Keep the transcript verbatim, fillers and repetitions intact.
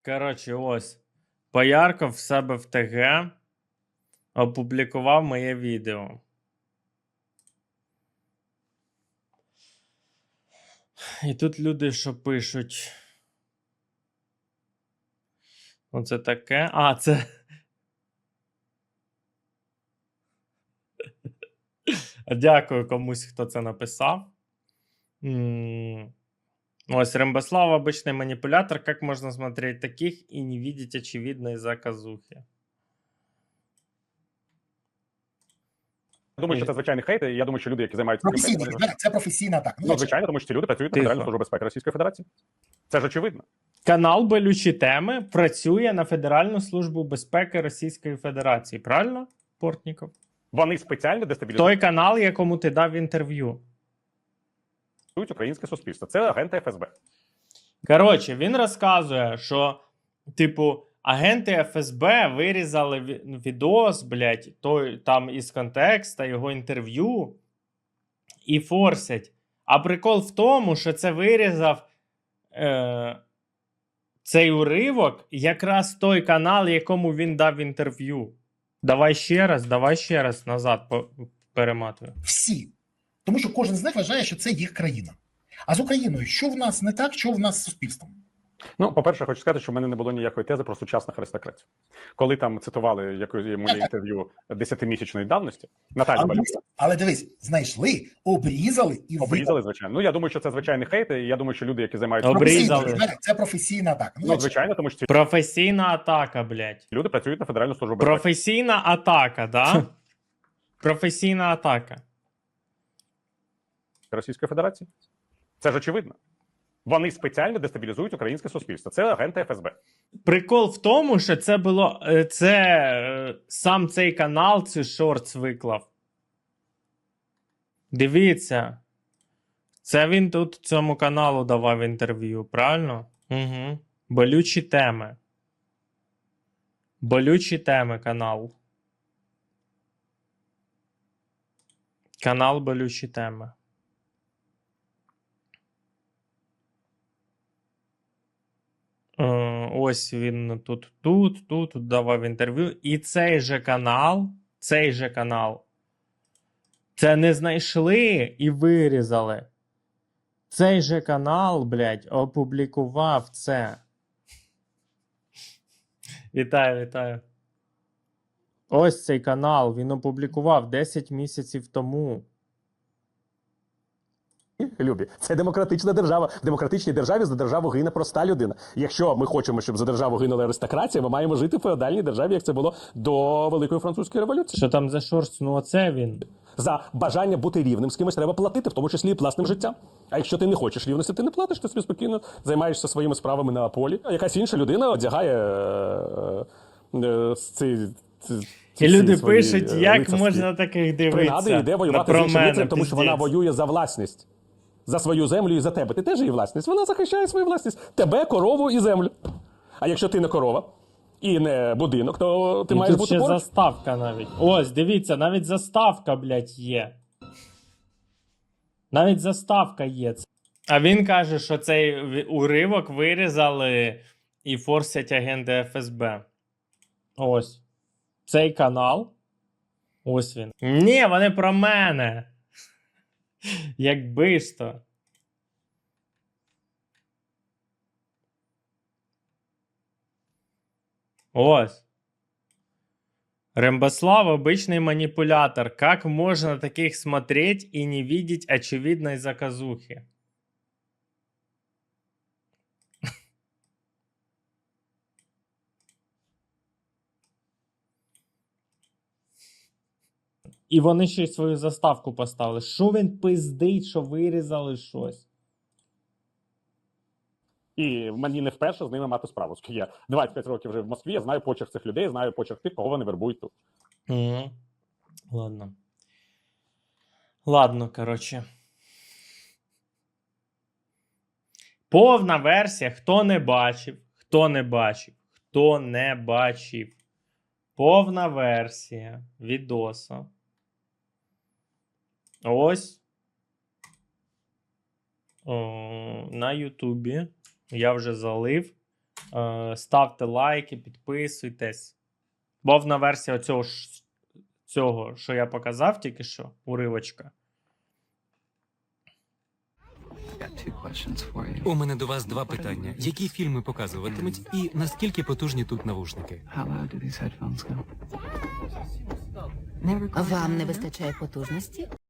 Коротше, ось. Поярков в себе в ТГ опублікував моє відео. І тут люди що пишуть. Оце таке. А, це. Дякую комусь, хто це написав. М, Ось Рембослав, обычный манипулятор. Как можно смотреть таких и не видеть очевидной заказухи? Я думаю, що це звичайний хейт, і я думаю, що люди, які займаються цим Професійний, хейтом, вони... це професійна атака. Ну, звичайно, тому що ці люди працюють на Тихо. Федеральну службу безпеки Російської Федерації. Це ж очевидно. Канал Болючі теми працює на Федеральну службу безпеки Російської Федерації. Правильно, Портніков? Вони спеціально дестабілізують Той канал, якому ти дав інтерв'ю. українське суспільство. Це агенти еф ес бе. Коротше, він розказує, що, типу, агенти еф ес бе вирізали ві- відос, блядь, той, там із контекста, його інтерв'ю, і форсять. А прикол в тому, що це вирізав е, цей уривок якраз той канал, якому він дав інтерв'ю. Давай ще раз, давай ще раз назад по- перематую. Всі. Тому що кожен з них вважає, що це їх країна. А з Україною, що в нас не так, що в нас з суспільством? Ну, по-перше, хочу сказати, що в мене не було ніякої тези про сучасних аристократів. Коли там цитували якусь моє інтерв'ю десятимісячної давності, Наталя Але Балюк, дивись, але дивись, знайшли, обрізали і обрізали, звичайно. Ну, я думаю, що це звичайний хейт, і я думаю, що люди, які займаються... Обрізали. Професійний, це професійна атака. Ну, звичайно, тому що ці Професійна атака, блядь. люди працюють на Федеральну службу безпеки. Професійна атака, да? Професійна атака. Російської Федерації. Це ж очевидно. Вони спеціально дестабілізують українське суспільство. Це агенти еф ес бе. Прикол в тому, що це було. е, Це е, сам цей канал, цей шортс виклав. Дивіться. Це він тут цьому каналу давав інтерв'ю, правильно? Угу. Болючі теми. Болючі теми канал. Канал Болючі теми. Е, Ось він тут, тут, тут, тут давав інтерв'ю. І цей же канал, цей же канал, це не знайшли і вирізали. Цей же канал, блядь, опублікував це. Вітаю, вітаю. Ось цей канал, він опублікував десять місяців тому. Любі, це демократична держава. В демократичній державі за державу гине проста людина. Якщо ми хочемо, щоб за державу гинула аристократія, ми маємо жити в феодальній державі, як це було до Великої Французької революції. Що там за шорст? Ну оце він. За бажання бути рівним з кимось треба платити, в тому числі і власним життям. А якщо ти не хочеш рівності, ти не платиш, ти собі спокійно займаєшся своїми справами на полі. А якась інша людина одягає е, е, ці, ці, ці І люди свої, пишуть, е, як лицарські можна таких принади, дивитися. йде воювати з Про іншим мене, лицарем, тому що вона пиздець. воює за власність. За свою землю і за тебе. Ти теж її власність. Вона захищає свою власність. Тебе, корову і землю. А якщо ти не корова і не будинок, то ти І маєш тут бути ще поруч. заставка навіть. Ось, дивіться, навіть заставка, блядь, є. Навіть заставка є. А він каже, що цей ві- уривок вирізали і форсять агенти еф ес бе. Ось. Цей канал. Ось він. Ні, вони про мене. Якби ж то. Ось. Рембослав обычный манипулятор. Как можно таких смотреть и не видеть очевидной заказухи? І вони ще й свою заставку поставили. Що він пиздить, що вирізали щось? І мені не вперше з ними мати справу. Оскільки я двадцять п'ять років вже в Москві, я знаю почерк цих людей, знаю почерк тих, кого вони вербують тут. Угу. Ладно. Ладно, коротше. Повна версія. Хто не бачив, хто не бачив, хто не бачив. Повна версія відоса. Ось. О, на Ютубі. Я вже залив. Е, ставте лайки, підписуйтесь. Повна версія оцього, ж- цього, що я показав тільки що, уривочка. У мене до вас два питання. Які фільми показуватимуть і наскільки потужні тут навушники? Вам не вистачає потужності?